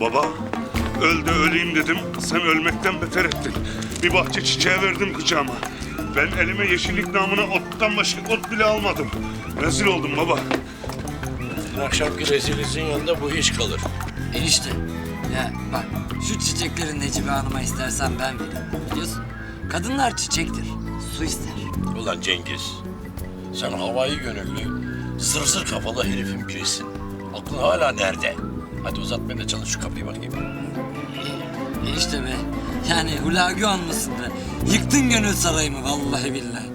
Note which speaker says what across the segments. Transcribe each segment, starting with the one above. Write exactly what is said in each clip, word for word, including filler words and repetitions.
Speaker 1: Baba, öl de öleyim dedim. Sen ölmekten beter ettin. Bir bahçe çiçeği verdim kucağıma. Ben elime yeşillik namına ottan başka ot bile almadım. Rezil oldum baba.
Speaker 2: Akşamki rezilinizin yanında bu iş kalır.
Speaker 3: Enişte, ya bak şu çiçekleri Necibe Hanım'a istersen ben veririm. Biliyorsun, kadınlar çiçektir, su ister.
Speaker 2: Ulan Cengiz, sen havai gönüllü, zır zır kafalı herifin birisin. Aklın hala nerede? Hadi uzatmayın da çalın şu kapıyı bakayım.
Speaker 3: Enişte be, yani Hulagü almasın be. Yıktın gönül sarayımı vallahi billahi.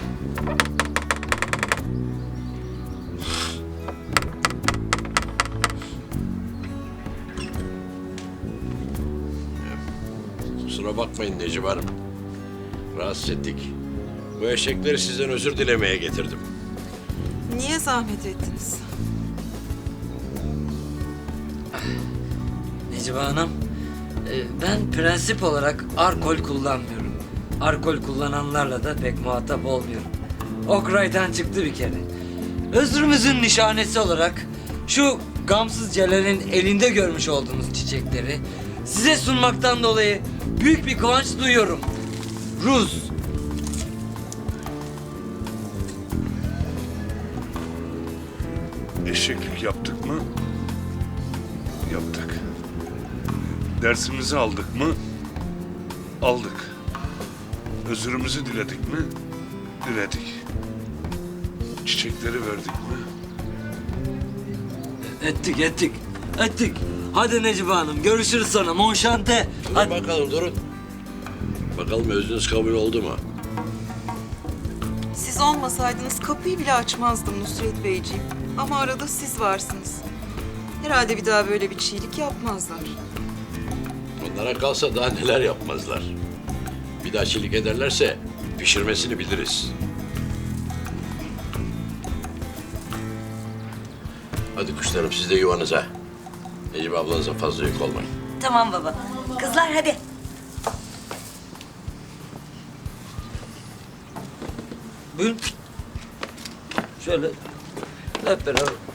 Speaker 2: Kusura bakmayın Necibe Hanım. Rahatsız ettik. Bu eşekleri sizden özür dilemeye getirdim.
Speaker 4: Niye zahmet ettiniz?
Speaker 3: Necibe Hanım, e, ben prensip olarak alkol kullanmıyorum. Alkol kullananlarla da pek muhatap olmuyorum. Okray'dan çıktı bir kere. Özrümüzün nişanesi olarak şu gamsız Celal'in elinde görmüş olduğunuz çiçekleri size sunmaktan dolayı büyük bir kıvanç duyuyorum. Ruz.
Speaker 1: Eşeklik yaptık mı? Yaptık. Dersimizi aldık mı? Aldık. Özürümüzü diledik mi? Diledik. Çiçekleri verdik mi?
Speaker 3: Ettik ettik. Ettik. Hadi Necibe Hanım görüşürüz sonra. Monşante.
Speaker 2: Durun
Speaker 3: Hadi.
Speaker 2: bakalım durun. Bakalım özünüz kabul oldu mu?
Speaker 4: Siz olmasaydınız kapıyı bile açmazdım Nusret Beyciğim. Ama arada siz varsınız. Herhalde bir daha böyle bir çiğlik yapmazlar.
Speaker 2: Onlara kalsa daha neler yapmazlar. Bir daha çilik ederlerse pişirmesini biliriz. Hadi kuşlarım siz de yuvanıza. Necibe ablanıza fazla yük olmayın.
Speaker 5: Tamam baba. Kızlar hadi.
Speaker 3: Buyurun. Şöyle hep beraber.